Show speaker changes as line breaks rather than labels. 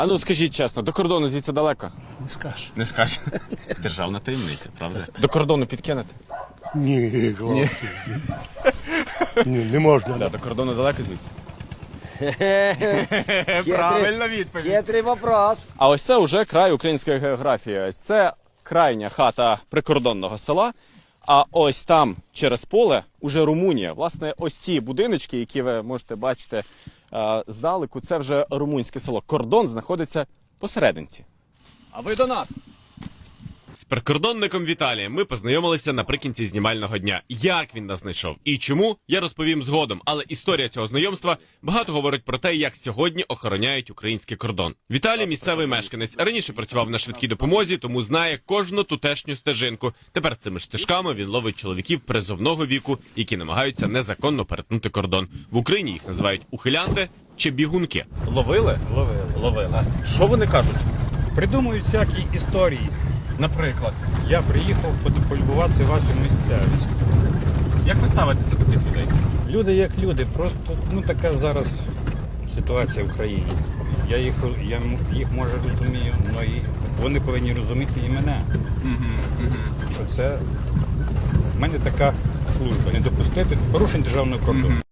А ну скажіть чесно, до кордону звідси далеко?
Не скажеш.
Не скажеш. Державна таємниця, правда? До кордону підкинете?
Ні, хлопці. Ні, не можна.
Да, до кордону далеко звідси?
Правильна
відповідь.
Хитрий вопрос.
А ось це вже край української географії. Ось це крайня хата прикордонного села. А ось там, через поле, уже Румунія. Власне, ось ці будиночки, які ви можете бачити здалеку, це вже румунське село. Кордон знаходиться посерединці. А ви до нас! З прикордонником Віталієм ми познайомилися наприкінці знімального дня. Як він нас знайшов і чому, я розповім згодом. Але історія цього знайомства багато говорить про те, як сьогодні охороняють український кордон. Віталій – місцевий мешканець. Раніше працював на швидкій допомозі, тому знає кожну тутешню стежинку. Тепер цими стежками він ловить чоловіків призовного віку, які намагаються незаконно перетнути кордон. В Україні їх називають ухилянти чи бігунки. Ловили? Ловили. Що вони кажуть?
Придумують всякі історії.
Наприклад.
Я приїхав полюбуватися вашу місцевість.
Як ви ставитеся до цих людей?
Люди як люди, просто така зараз ситуація в країні. Я їх може розумію, але і вони повинні розуміти і мене. Що це в мене така служба, не допустити порушень державного кордону.